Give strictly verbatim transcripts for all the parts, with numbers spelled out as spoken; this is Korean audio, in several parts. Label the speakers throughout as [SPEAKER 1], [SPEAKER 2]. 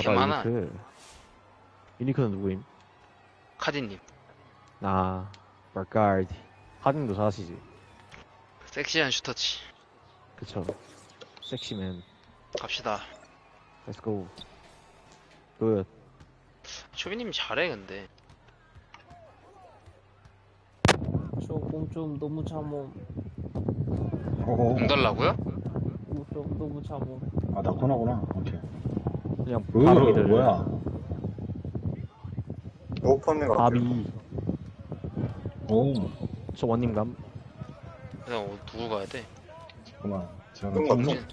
[SPEAKER 1] 개 많아.
[SPEAKER 2] 유니크. 유니크는 누구임?
[SPEAKER 1] 카디님.
[SPEAKER 2] 아, 말까지. 하딩도 잘하시지.
[SPEAKER 1] 섹시한 슈터치.
[SPEAKER 2] 그쵸. 섹시맨.
[SPEAKER 1] 갑시다.
[SPEAKER 2] Let's go. 굿.
[SPEAKER 1] 초비님 잘해 근데.
[SPEAKER 3] 저공 좀 너무 참음.
[SPEAKER 4] 오.
[SPEAKER 1] 공 달라고요?
[SPEAKER 3] 좀 너무 참음.
[SPEAKER 4] 아, 나 코나구나. 오케이.
[SPEAKER 2] 그냥
[SPEAKER 4] 으,
[SPEAKER 2] 바비들.
[SPEAKER 4] 뭐야.
[SPEAKER 5] 오픈인 것 같아요.
[SPEAKER 2] 바비.
[SPEAKER 4] 오.
[SPEAKER 2] 저 원님감.
[SPEAKER 1] 그냥 어, 누구 가야 돼?
[SPEAKER 4] 잠깐만. 제가
[SPEAKER 5] 뜬
[SPEAKER 4] 좀-
[SPEAKER 5] 거죠?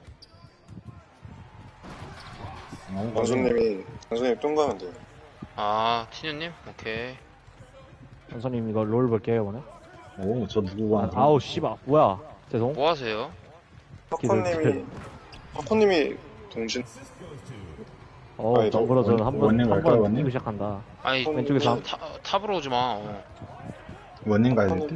[SPEAKER 4] 어,
[SPEAKER 5] 단수님이, 단수님 뜬 가면 돼요.
[SPEAKER 1] 아 티뉴님? 오케이.
[SPEAKER 2] 선생님 이거 롤 볼게요, 이번에.
[SPEAKER 4] 오, 저 누구
[SPEAKER 2] 아,
[SPEAKER 4] 와?
[SPEAKER 2] 아우, 씨발. 뭐야. 죄송.
[SPEAKER 1] 뭐 하세요?
[SPEAKER 5] 파코님이, 파코님이 동신,
[SPEAKER 2] 어,
[SPEAKER 5] 아니, 저
[SPEAKER 2] 정글어 저는
[SPEAKER 4] 원-
[SPEAKER 2] 한 번,
[SPEAKER 4] 원님
[SPEAKER 2] 한
[SPEAKER 4] 갈까요,
[SPEAKER 2] 번
[SPEAKER 4] 원님?
[SPEAKER 2] 뛰고 시작한다.
[SPEAKER 1] 아니
[SPEAKER 2] 왼쪽에서
[SPEAKER 1] 탑, 탑으로 오지 마. 어.
[SPEAKER 4] 원님 가야 될 듯?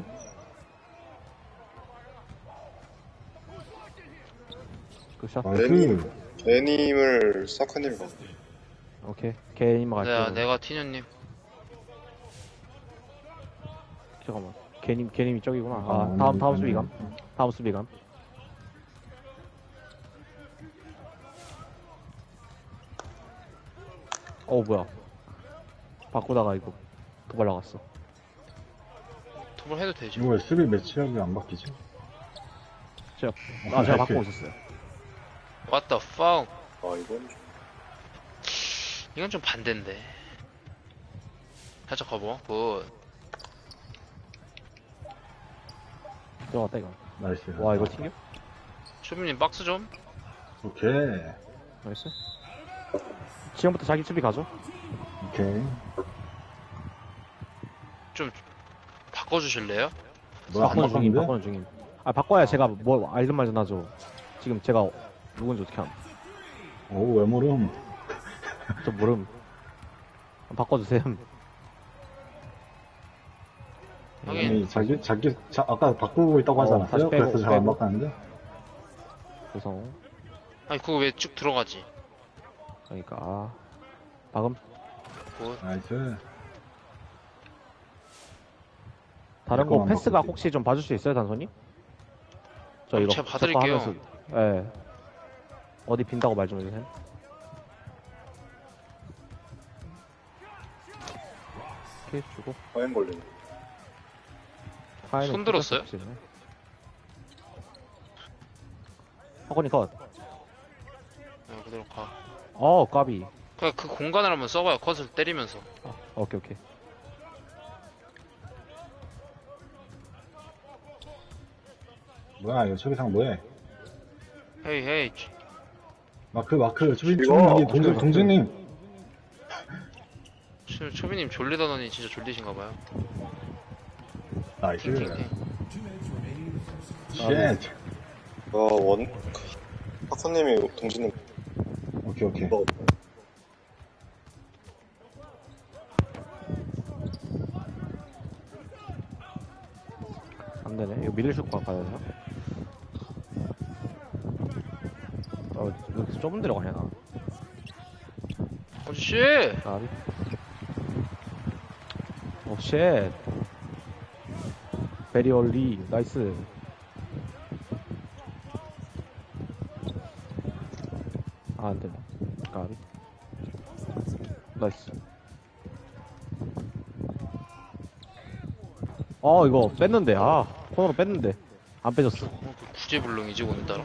[SPEAKER 2] 굿샷.
[SPEAKER 4] 나이스.
[SPEAKER 5] 애님을 사카님이 가.
[SPEAKER 2] 오케이. 개님만 갈게요.
[SPEAKER 1] 내가 내가 티뉴님.
[SPEAKER 2] 잠깐만. 개님, 개님이 저기구나. 아,
[SPEAKER 4] 아,
[SPEAKER 2] 다음,
[SPEAKER 4] 원님
[SPEAKER 2] 다음
[SPEAKER 4] 가네.
[SPEAKER 2] 수비감. 다음 수비감. 어, 뭐야. 바꾸다가 이거 도발 나갔어.
[SPEAKER 1] 톱을 해도 되지.
[SPEAKER 4] 이거 왜 수비 매치업이 안 바뀌지?
[SPEAKER 2] 제가, 아, 제가
[SPEAKER 4] 나이스.
[SPEAKER 2] 바꾸고 있었어요.
[SPEAKER 1] What the fuck?
[SPEAKER 5] 아, 이건 좀.
[SPEAKER 1] 이건 좀 반대인데. 살짝 가보. 굿.
[SPEAKER 2] 들어갔다, 이거.
[SPEAKER 4] 나이스.
[SPEAKER 2] 와, 이거 튕겨?
[SPEAKER 1] 초비님 박스 좀.
[SPEAKER 4] 오케이.
[SPEAKER 2] 나이스. 지금부터 자기 수비 가죠?
[SPEAKER 4] 오케이.
[SPEAKER 1] 좀 바꿔주실래요?
[SPEAKER 4] 뭐야, 안
[SPEAKER 2] 바꾸는 중임,
[SPEAKER 4] 바꿨는데?
[SPEAKER 2] 바꾸는 중임. 아, 바꿔야 제가 뭐, 알든 말든 하죠. 지금 제가 누군지 어떻게 함.
[SPEAKER 4] 오, 왜 모름?
[SPEAKER 2] 저 모름. 바꿔주세요.
[SPEAKER 1] 하긴.
[SPEAKER 4] 아니, 자기, 자기, 자, 아까 바꾸고 있다고 하지
[SPEAKER 2] 어,
[SPEAKER 4] 않았어요?
[SPEAKER 2] 다시 빼고,
[SPEAKER 4] 그래서 잘 안
[SPEAKER 2] 빼고.
[SPEAKER 4] 바꿨는데?
[SPEAKER 2] 구성.
[SPEAKER 1] 아니 그거 왜 쭉 들어가지?
[SPEAKER 2] 그러니까, 아. 방금.
[SPEAKER 1] 굿.
[SPEAKER 4] 나이스.
[SPEAKER 2] 다른 거
[SPEAKER 4] 잠깐만
[SPEAKER 2] 패스가
[SPEAKER 4] 바꿀게.
[SPEAKER 2] 혹시 좀 봐줄 수 있어요, 단손이? 저
[SPEAKER 1] 어,
[SPEAKER 2] 이거
[SPEAKER 1] 제가 봐드릴게요.
[SPEAKER 2] 하면서, 예. 어디 빈다고 말 좀 해주세요. 이렇게 주고.
[SPEAKER 5] 과연 걸리네.
[SPEAKER 2] 파이는
[SPEAKER 1] 손 들었어요?
[SPEAKER 2] 어쩔 수 없지. 학원이 컷.
[SPEAKER 1] 어, 그대로 가.
[SPEAKER 2] 어, 까비.
[SPEAKER 1] 그냥 그 공간을 한번 써봐요. 컷을 때리면서.
[SPEAKER 2] 아, 오케이, 오케이.
[SPEAKER 4] 뭐야, 이거 초비상 뭐해?
[SPEAKER 1] 헤이 헤이.
[SPEAKER 4] 마크, 마크, 초비,
[SPEAKER 5] 이거
[SPEAKER 4] 초비님,
[SPEAKER 5] 어떻게
[SPEAKER 4] 동준,
[SPEAKER 5] 마크?
[SPEAKER 4] 동준님.
[SPEAKER 1] 초, 초비님 졸리다더니 진짜 졸리신가봐요.
[SPEAKER 4] 나이스.
[SPEAKER 1] 팅팅팅.
[SPEAKER 4] 쉣.
[SPEAKER 5] 아, 원, 파코님이 동신님
[SPEAKER 4] 오케이, 오케이.
[SPEAKER 5] 뭐,
[SPEAKER 2] 안 되네. 이거 밀리슛 가야 되나? 어, 왜 이렇게 좁은 데로 가냐, 나.
[SPEAKER 1] 어씨!
[SPEAKER 2] 까비. 오, 쉣. 베리 얼리. 나이스. 아, 안 되네. 까비. 나이스. 어, 이거 뺐는데. 아, 코너로 뺐는데. 안 빼졌어.
[SPEAKER 1] 어, 그 구제불능이지 오늘따라.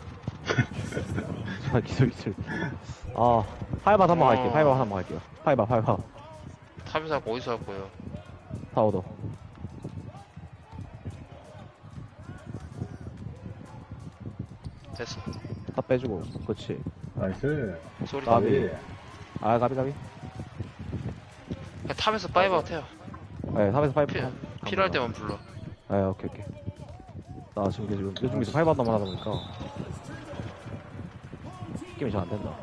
[SPEAKER 2] 아, 기술, 기술. 아, 파이바 한번 갈게요.
[SPEAKER 1] 어.
[SPEAKER 2] 파이바 한번 갈게요. 파이바, 파이바.
[SPEAKER 1] 탑에서 할 거 어디서 할 거예요?
[SPEAKER 2] 다 얻어.
[SPEAKER 1] 됐어.
[SPEAKER 2] 다 빼주고. 그렇지.
[SPEAKER 4] 나이스.
[SPEAKER 1] 소리.
[SPEAKER 2] 까비.
[SPEAKER 4] 까비.
[SPEAKER 2] 아, 가비, 가비.
[SPEAKER 1] 그냥 탑에서 파이브아웃 해요.
[SPEAKER 2] 네, 탑에서 파이브.
[SPEAKER 1] 피,
[SPEAKER 2] 한-
[SPEAKER 1] 필요할
[SPEAKER 2] 한
[SPEAKER 1] 때만 불러.
[SPEAKER 2] 번. 네, 오케이, 오케이. 나 지금 이게 지금 요즘에서 파이브 한다만 하다 보니까. 느낌이 잘 안 된다.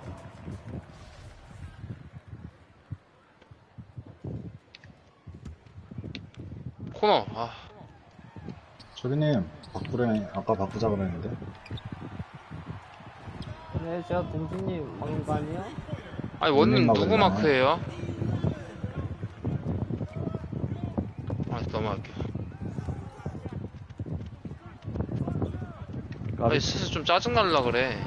[SPEAKER 1] 코너. 아,
[SPEAKER 4] 초비님, 바꾸래, 아까 바꾸자 그랬는데.
[SPEAKER 3] 네, 제가 동준님 방금 거 아니에요?
[SPEAKER 1] 아니 원님
[SPEAKER 4] 원님
[SPEAKER 1] 누구
[SPEAKER 4] 마크네.
[SPEAKER 1] 마크예요? 아 넘어갈게요.
[SPEAKER 2] 까비.
[SPEAKER 1] 아니 슬슬 좀 짜증날라 그래.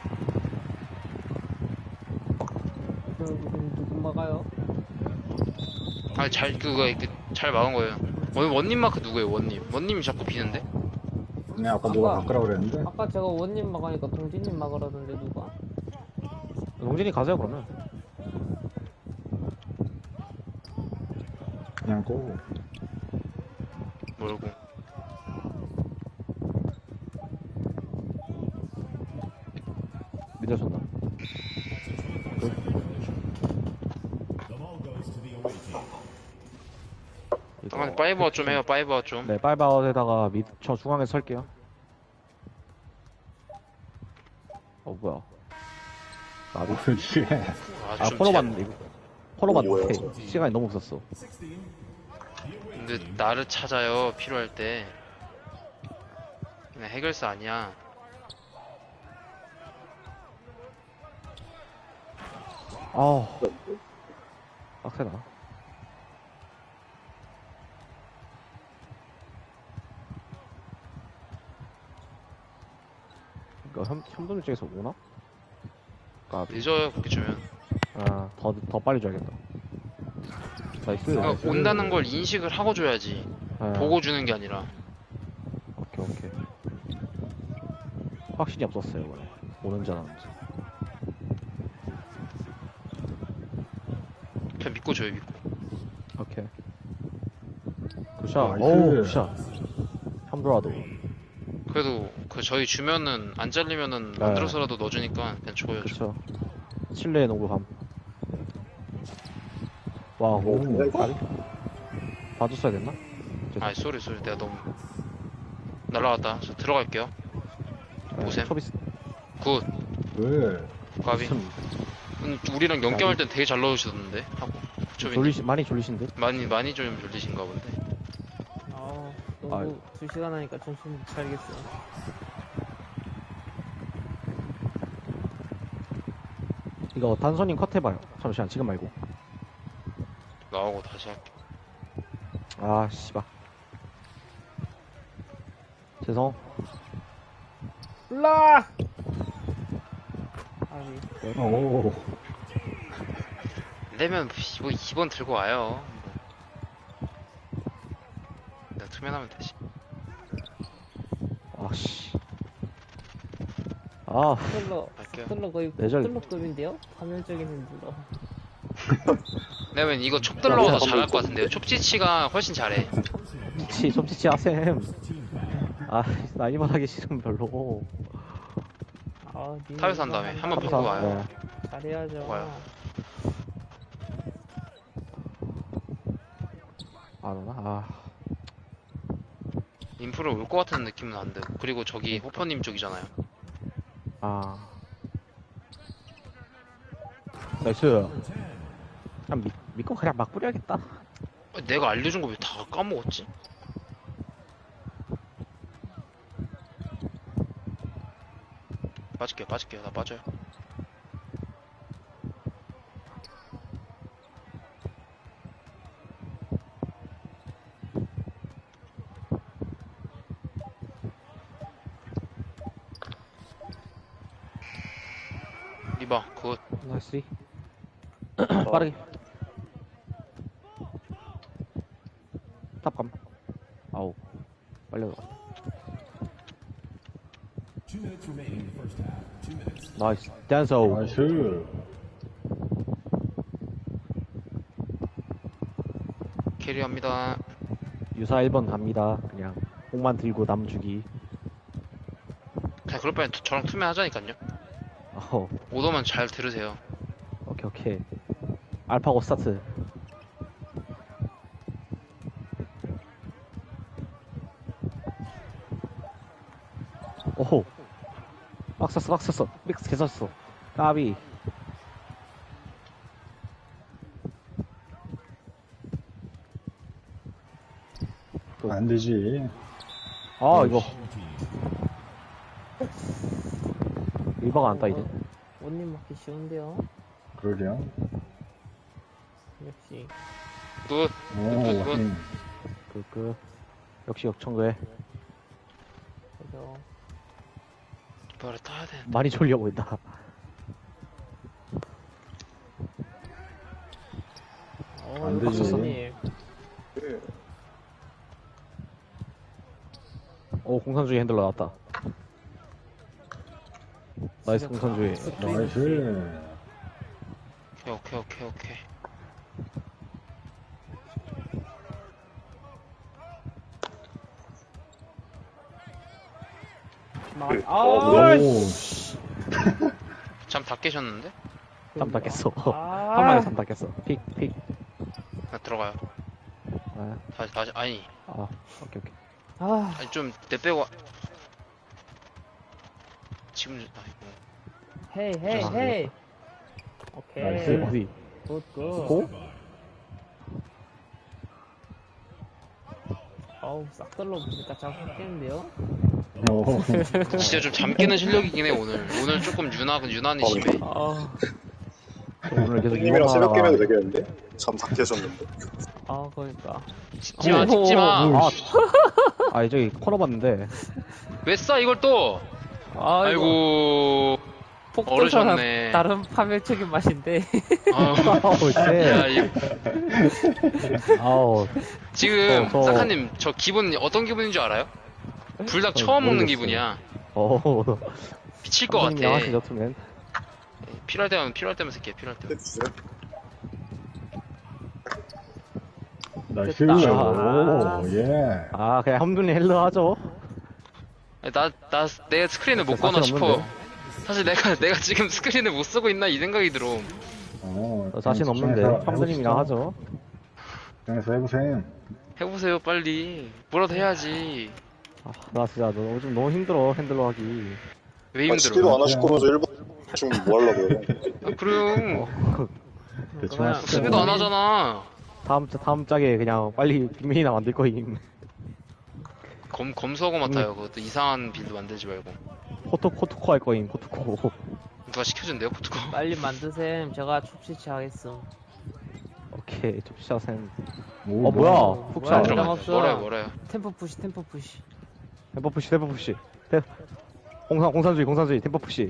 [SPEAKER 3] 그럼 누구 막아요?
[SPEAKER 1] 아니 잘 그거 이렇게 잘 막은 거예요. 원 원님 마크 누구예요? 원님. 원님이 자꾸 비는데?
[SPEAKER 4] 네, 아까 누가
[SPEAKER 3] 아까-
[SPEAKER 4] 바꾸라고 그랬는데.
[SPEAKER 3] 아까 제가 원님 막으니까 동진님 막으라던데 누가?
[SPEAKER 2] 동진이 가세요 그러면.
[SPEAKER 4] 그냥 고.
[SPEAKER 1] 모르고.
[SPEAKER 2] 믿어준다. 이거-
[SPEAKER 1] 아니 파이버 좀 해요. 파이버 좀.
[SPEAKER 2] 네, 빨바웃에다가 밑, 저 중앙에 설게요. 어, 뭐야. 나비.
[SPEAKER 4] 그렇지.
[SPEAKER 2] 아,
[SPEAKER 1] 좀
[SPEAKER 2] 포로만,
[SPEAKER 1] 제-
[SPEAKER 2] 이거. 포로만
[SPEAKER 5] 뭐야,
[SPEAKER 2] 못해.
[SPEAKER 5] 저거.
[SPEAKER 2] 시간이 너무 없었어.
[SPEAKER 1] 근데 나를 찾아요. 필요할 때. 그냥 해결사 아니야.
[SPEAKER 2] 아우. 빡세다. 이거 현, 현돈 쪽에서 오나? 까비.
[SPEAKER 1] 늦어요. 그렇게 주면.
[SPEAKER 2] 아, 더, 더 빨리 줘야겠다. 나이스.
[SPEAKER 1] 그러니까 온다는 걸 인식을 하고 줘야지.
[SPEAKER 2] 아,
[SPEAKER 1] 보고 주는 게 아니라.
[SPEAKER 2] 오케이, 오케이. 확신이 없었어요, 이번에. 오는지 안 오는지.
[SPEAKER 1] 그냥 믿고 줘요. 믿고.
[SPEAKER 2] 오케이. 굿샷.
[SPEAKER 4] 나이스.
[SPEAKER 2] 오우, 굿샷. 함도라도.
[SPEAKER 1] 그래도 그 저희 주면은 안 잘리면은
[SPEAKER 2] 네.
[SPEAKER 1] 만들어서라도 넣어주니까 그냥 줘요. 줘.
[SPEAKER 2] 그쵸. 칠레의 농구감. 와, 오,
[SPEAKER 5] 오.
[SPEAKER 2] 까비? 봐줬어야 됐나?
[SPEAKER 1] 아이 쏘리 쏘리 내가 너무 날라갔다. 저 들어갈게요.
[SPEAKER 2] 네,
[SPEAKER 1] 오셈.
[SPEAKER 2] 초비스.
[SPEAKER 1] 굿.
[SPEAKER 4] 왜?
[SPEAKER 1] 가비.
[SPEAKER 2] 참,
[SPEAKER 1] 음, 우리랑 연경할 땐 되게 잘 넣으시던데 하고. 초빈
[SPEAKER 2] 졸리시, 많이 졸리신 듯?
[SPEAKER 1] 많이 많이 좀 졸리신가 본데.
[SPEAKER 3] 아, 농구 두 시간 하니까 정신 못 차리겠어요.
[SPEAKER 2] 이거 단선님 컷 해봐요. 잠시만, 지금 말고.
[SPEAKER 1] 나오고 다시 할게.
[SPEAKER 2] 아, 씨발. 죄송.
[SPEAKER 3] 올라! 아니,
[SPEAKER 4] 오.
[SPEAKER 1] 안 되면 뭐 이 번 들고 와요. 뭐. 내가 투면하면 되지.
[SPEAKER 2] 아, 씨. 아,
[SPEAKER 3] 스텔러,
[SPEAKER 1] 갈게요.
[SPEAKER 3] 스텔러 거의
[SPEAKER 2] 내절.
[SPEAKER 3] 스텔러급인데요? 파멸적인 핸들러.
[SPEAKER 1] 내가 이거 촉 들러도
[SPEAKER 2] 야,
[SPEAKER 1] 잘할 것 같은데요. 촉지치가 훨씬 잘해.
[SPEAKER 2] 치, 솜치치 하셈. 아, 나이만 하기 싫으면 별로.
[SPEAKER 3] 아, 니
[SPEAKER 1] 타협 한 다음에 한번
[SPEAKER 2] 감사.
[SPEAKER 1] 바꾸고 와요.
[SPEAKER 2] 네.
[SPEAKER 3] 잘해야죠.
[SPEAKER 1] 와요.
[SPEAKER 2] 안 오나? 아,
[SPEAKER 1] 인프로 올 것 같은 느낌은 안 들고. 그리고 저기 호퍼님 쪽이잖아요.
[SPEAKER 2] 아. 나이스. 그냥 믿, 믿고 그냥 막 뿌려야겠다.
[SPEAKER 1] 아, 내가 알려준 거 왜 다 까먹었지? 빠질게요, 빠질게요. 나 빠져요. 리바, 굿.
[SPEAKER 2] 나이스. 빠르게. 탑감. 아우. 빨리 들어가. 나이스. 댄서.
[SPEAKER 4] 나이스.
[SPEAKER 1] 캐리합니다.
[SPEAKER 2] 유사 일 번 갑니다. 그냥. 공만 들고 남 주기.
[SPEAKER 1] 그냥 그럴 바엔 투- 저랑 투면 하자니깐요.
[SPEAKER 2] 어,
[SPEAKER 1] 오더만 잘 들으세요.
[SPEAKER 2] 오케이, 오케이. 알파고 스타트. 오호. 막 썼어, 막 썼어. 믹스 개 썼어. 까비.
[SPEAKER 4] 안 되지.
[SPEAKER 2] 아, 이거. 리버가 안 따이네.
[SPEAKER 3] 원님 맞기 쉬운데요?
[SPEAKER 4] 그러게요.
[SPEAKER 3] 역시.
[SPEAKER 1] 굿.
[SPEAKER 4] 오,
[SPEAKER 1] 굿, 굿.
[SPEAKER 4] 원님.
[SPEAKER 2] 그, 그. 역시 역청구에
[SPEAKER 3] 그죠.
[SPEAKER 1] 뭐를 타야 돼.
[SPEAKER 2] 많이 졸려 보인다.
[SPEAKER 3] 어,
[SPEAKER 4] 안 되지.
[SPEAKER 3] 박수님.
[SPEAKER 5] 예.
[SPEAKER 2] 오, 공산주의 핸들러 나왔다. 나이스 공산주의.
[SPEAKER 4] 나이스.
[SPEAKER 1] 오케이, 오케이, 오케이, 오케이.
[SPEAKER 3] 막,
[SPEAKER 5] 그,
[SPEAKER 3] 아,
[SPEAKER 5] 어,
[SPEAKER 4] 오,
[SPEAKER 3] 씨.
[SPEAKER 1] 잠 다 깨셨는데?
[SPEAKER 2] 삼 닦겠어.
[SPEAKER 3] 아.
[SPEAKER 2] 한 마리 삼 닦겠어. 픽, 픽.
[SPEAKER 1] 나 들어가요.
[SPEAKER 2] 아,
[SPEAKER 1] 다시, 다시, 아니.
[SPEAKER 2] 아, 오케이, 오케이.
[SPEAKER 3] 아,
[SPEAKER 1] 아니, 좀, 내 빼고. 지금, 아이고.
[SPEAKER 3] 헤이, 헤이,
[SPEAKER 2] 아,
[SPEAKER 3] 헤이. 오케이.
[SPEAKER 4] 나이스.
[SPEAKER 2] 어디?
[SPEAKER 3] 굿, 굿.
[SPEAKER 2] 고?
[SPEAKER 3] 어우, 싹 들러보니까 잡겠는데요?
[SPEAKER 4] 오.
[SPEAKER 1] 진짜 좀 잠 깨는 실력이긴 해, 오늘. 오늘 조금 유난, 유난히 심해.
[SPEAKER 3] 아,
[SPEAKER 2] 오늘 계속
[SPEAKER 5] 형님이랑
[SPEAKER 2] 이것만
[SPEAKER 5] 새벽
[SPEAKER 2] 하다가-
[SPEAKER 5] 깨면 되겠는데? 잠 다 깨졌는데.
[SPEAKER 3] 아, 그러니까.
[SPEAKER 1] 찍지 마, 찍지 마.
[SPEAKER 2] 아, 아, 저기 코너 봤는데.
[SPEAKER 1] 왜 싸, 이걸 또? 아이고.
[SPEAKER 3] 폭도처럼
[SPEAKER 1] 어르셨네.
[SPEAKER 3] 다른 파멸적인 맛인데.
[SPEAKER 1] 아우,
[SPEAKER 2] 아우,
[SPEAKER 1] 야,
[SPEAKER 2] 쎄.
[SPEAKER 1] 이,
[SPEAKER 2] 아우,
[SPEAKER 1] 지금,
[SPEAKER 2] 저- 저-
[SPEAKER 1] 사카님, 저 기분, 어떤 기분인 줄 알아요? 불닭
[SPEAKER 2] 저
[SPEAKER 1] 처음 먹는
[SPEAKER 2] 모르겠어요.
[SPEAKER 1] 기분이야.
[SPEAKER 2] 어,
[SPEAKER 1] 미칠 것 같아.
[SPEAKER 2] 하시죠, 투맨.
[SPEAKER 1] 필요할 때만, 필요할 때만 쓸게, 필요할 때만.
[SPEAKER 5] 해주세요.
[SPEAKER 4] 나이스.
[SPEAKER 3] 됐다.
[SPEAKER 4] 오, 예.
[SPEAKER 2] 아, 그냥 험준이 헬러 하죠.
[SPEAKER 1] 나, 나, 내 스크린을 못
[SPEAKER 2] 진짜
[SPEAKER 1] 꺼나
[SPEAKER 2] 자신
[SPEAKER 1] 싶어.
[SPEAKER 2] 없는데?
[SPEAKER 1] 사실 내가, 내가 지금 스크린을 못 쓰고 있나 이 생각이 들어.
[SPEAKER 4] 어,
[SPEAKER 2] 저 자신
[SPEAKER 4] 그냥
[SPEAKER 2] 없는데.
[SPEAKER 4] 집중해서
[SPEAKER 2] 험준님이랑
[SPEAKER 4] 해보시죠.
[SPEAKER 2] 하죠.
[SPEAKER 4] 집중해서 해보세요.
[SPEAKER 1] 해보세요, 빨리. 뭐라도 해야지.
[SPEAKER 2] 아, 나 진짜 너 요즘 너무 힘들어, 핸들러 하기.
[SPEAKER 1] 왜
[SPEAKER 5] 아, 치기도
[SPEAKER 1] 힘들어?
[SPEAKER 5] 안 하실 거면서 일 분 지금 뭐 하려고요?
[SPEAKER 1] 아, 그럼.
[SPEAKER 4] 대충
[SPEAKER 3] 그냥
[SPEAKER 4] 하시죠.
[SPEAKER 1] 수비도 안 하잖아.
[SPEAKER 2] 다음, 짜- 다음 짝에 그냥 빨리 빅맨이나 만들 거임.
[SPEAKER 1] 검, 검수하고 맡아요. 그것도 이상한 빌드 만들지 말고.
[SPEAKER 2] 포토, 포토코 할 거임, 포토코.
[SPEAKER 1] 누가 시켜준대요, 포트코?
[SPEAKER 3] 빨리 만드셈. 제가 춥치치 하겠음.
[SPEAKER 2] 오케이, 좁시샷은.
[SPEAKER 4] 오,
[SPEAKER 2] 어, 뭐야.
[SPEAKER 3] 어,
[SPEAKER 2] 훅
[SPEAKER 3] 뭐야,
[SPEAKER 2] 샷.
[SPEAKER 3] 들어가.
[SPEAKER 1] 들어가.
[SPEAKER 3] 없어.
[SPEAKER 1] 뭐라요, 뭐라요.
[SPEAKER 3] 템포 푸시, 템포 푸시.
[SPEAKER 2] 템퍼 푸시, 템퍼 푸시. 템, 공산, 공산주의, 공산주의, 템퍼 푸시.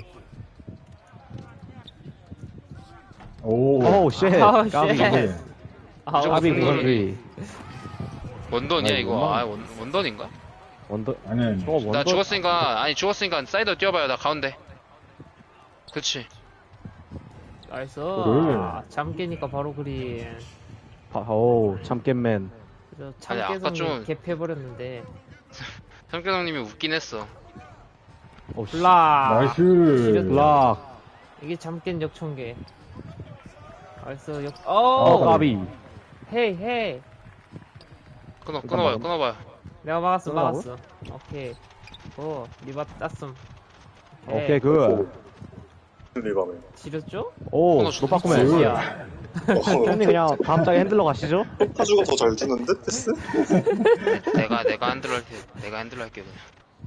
[SPEAKER 4] 오,
[SPEAKER 2] 오우, 쉣.
[SPEAKER 3] 아우,
[SPEAKER 2] 까비.
[SPEAKER 3] 쉣.
[SPEAKER 4] 네.
[SPEAKER 3] 아,
[SPEAKER 1] 무조건
[SPEAKER 2] 까비,
[SPEAKER 1] 공산주의.
[SPEAKER 2] 공산주의.
[SPEAKER 1] 원던이야,
[SPEAKER 4] 아니,
[SPEAKER 1] 이거.
[SPEAKER 4] 원던.
[SPEAKER 1] 아, 원, 원던인가?
[SPEAKER 2] 원더,
[SPEAKER 4] 아니,
[SPEAKER 2] 저거 원더.
[SPEAKER 1] 나 죽었으니까, 아니, 죽었으니까 사이드 뛰어봐요. 나 가운데. 그치.
[SPEAKER 3] 나이스.
[SPEAKER 4] 그래.
[SPEAKER 3] 아, 잠 깨니까 바로 그린.
[SPEAKER 2] 아, 오우, 참깨맨.
[SPEAKER 3] 그래서
[SPEAKER 1] 아니, 아까
[SPEAKER 3] 참깨성이
[SPEAKER 1] 좀-
[SPEAKER 3] 갭해버렸는데.
[SPEAKER 1] 성교장님이 웃긴 했어.
[SPEAKER 2] 오, 씨.
[SPEAKER 3] 블락.
[SPEAKER 4] 나이스.
[SPEAKER 2] 블락.
[SPEAKER 3] 이게 잠깬 역청계. 나이스, 역,
[SPEAKER 2] 어,
[SPEAKER 3] 오!
[SPEAKER 2] 까비.
[SPEAKER 3] 헤이, 헤이.
[SPEAKER 1] 끊어,
[SPEAKER 2] 일단
[SPEAKER 1] 끊어봐요,
[SPEAKER 2] 막음.
[SPEAKER 1] 끊어봐요.
[SPEAKER 3] 내가 막았어,
[SPEAKER 2] 끝나고?
[SPEAKER 3] 막았어. 오케이. 오, 리바 땄음.
[SPEAKER 2] 오케이, 그.
[SPEAKER 5] 리밤에.
[SPEAKER 3] 지렸죠?
[SPEAKER 2] 오,
[SPEAKER 1] 코너
[SPEAKER 2] 노빠꾸맨.
[SPEAKER 4] 좋지.
[SPEAKER 3] 야,
[SPEAKER 2] 형님 그냥 다음 짝에 핸들러 가시죠?
[SPEAKER 5] 파주가 더 잘 주는데? 패스?
[SPEAKER 1] 내가, 내가 핸들러 할게. 내가 핸들러 할게, 그냥.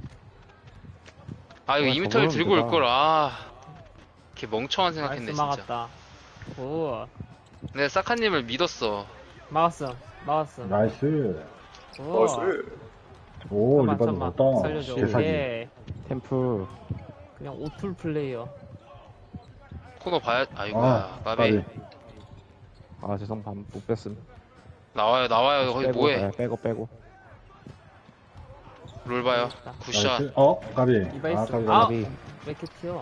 [SPEAKER 1] 아, 이거
[SPEAKER 2] 아,
[SPEAKER 1] 이 미터를
[SPEAKER 2] 저거는
[SPEAKER 1] 들고
[SPEAKER 2] 뭐다.
[SPEAKER 1] 올걸, 아. 이렇게 멍청한 생각했네,
[SPEAKER 3] 나이스
[SPEAKER 1] 진짜.
[SPEAKER 3] 막았다. 오,
[SPEAKER 1] 내가 사카님을 믿었어.
[SPEAKER 3] 막았어, 막았어.
[SPEAKER 4] 나이스.
[SPEAKER 3] 오,
[SPEAKER 5] 나이스.
[SPEAKER 4] 오,
[SPEAKER 3] 잠깐만,
[SPEAKER 4] 리바도
[SPEAKER 3] 잠깐만.
[SPEAKER 4] 넣었다.
[SPEAKER 3] 살려줘.
[SPEAKER 4] 실사기.
[SPEAKER 3] 오케이.
[SPEAKER 2] 템프.
[SPEAKER 3] 그냥 오툴 플레이어.
[SPEAKER 1] 코너 봐야, 아이고야,
[SPEAKER 4] 아,
[SPEAKER 1] 까비.
[SPEAKER 4] 까비.
[SPEAKER 2] 아, 죄송, 반, 못 뺐음.
[SPEAKER 1] 나와요, 나와요, 거기
[SPEAKER 2] 빼고,
[SPEAKER 1] 뭐해.
[SPEAKER 2] 네, 빼고, 빼고.
[SPEAKER 1] 롤 봐요. 굿샷.
[SPEAKER 4] 나이스. 어, 까비.
[SPEAKER 3] 이바
[SPEAKER 4] 아,
[SPEAKER 3] 있어.
[SPEAKER 4] 까비.
[SPEAKER 3] 아!
[SPEAKER 4] 까비.
[SPEAKER 2] 비
[SPEAKER 3] 왜 이렇게 튀어?